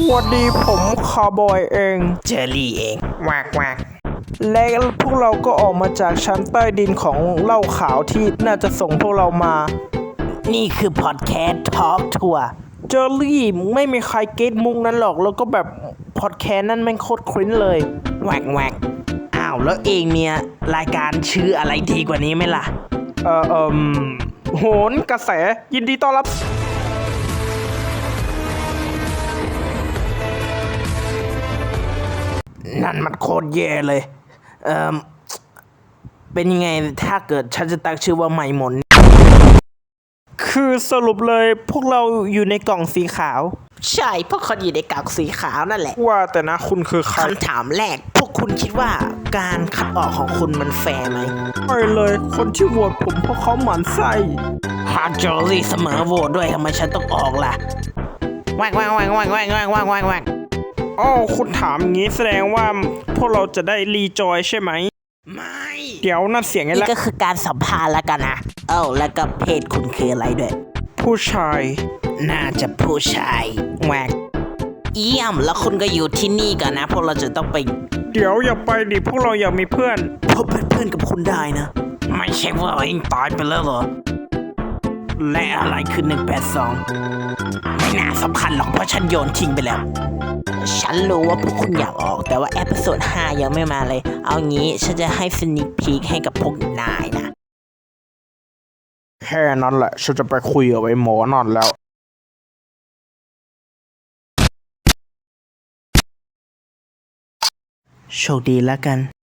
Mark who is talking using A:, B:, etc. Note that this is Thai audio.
A: วัสดีผมคาร์บอยเอง
B: เจอรี่เองวากวาก
A: และพวกเราก็ออกมาจากชั้นใต้ดินของเหล้าขาวที่น่าจะส่งพวกเรามา
B: นี่คือพอดแคสต์ทอล์กทัวร์
A: เจอรี่ไม่มีใครเก็ตมุกนั้นหรอกแล้วก็แบบพอดแคสต์นั่นแม่งโคตรคริ้นเลย
B: แวกแวกอ้าวแล้วเองเนี่ยรายการชื่ออะไรดีกว่านี้ไหมล่ะ
A: โหนกระแสยินดีต้อนรับ
B: นั่นมันโคตรแย่เลยเป็นยังไงถ้าเกิดฉันจะตั้งชื่อว่าไมมน
A: คือสรุปเลยพวกเราอยู่ในกล่องสีขาว
B: ใช่พวกคนอยู่ในกล่องสีขาวนั่นแหละ
A: ว่าแต่นะคุณคือใคร
B: คำถามแรกพวกคุณคิดว่าการคัดออกของคุณมันแฟร์ไหม
A: ไม่เลยคนที่โหวตผมเพราะเขาหมั่นไส้
B: ฮาร์ดจอรี่เสมอโหวตด้วยทำไมฉันต้องออกล่ะแวกแวกแวกแวกแวกแวกแวกแวกแวก
A: อ๋อคุณถามงี้แสดงว่าพวกเราจะได้รีจอยใช่ไหม
B: ไม่
A: เดี๋ยวนั่นเสียงไง
B: นี่
A: ล่ะ
B: ก็คือการสัมภาษณ์แล้วกันนะแล้วก็เพศคุณคืออะไรด้วย
A: ผู้ชาย
B: น่าจะผู้ชายแหวกเยี่ยมแล้วคุณก็อยู่ที่นี่ก่อนนะพวกเราจะต้องไป
A: เดี๋ยวอย่าไปดิพวกเราอยากมีเพื่อน
B: พบเป็นเพื่อนกับคุณได้นะ ไม่ใช่ว่าเองตายไปแล้วเหรอ และอะไรคือ182ไม่น่าสำคัญหรอกเพราะฉันโยนทิ้งไปแล้ว ฉันรู้ว่าพวกคุณอยากออกแต่ว่าเอพิโซด5ยังไม่มาเลย เอางี้ฉันจะให้สนิคพีคให้กับพวกนายนะ
A: แค่นั้นแหละฉันจะไปคุยกับไอ้หมอนอนแล้ว
B: โชคดีแล้วกัน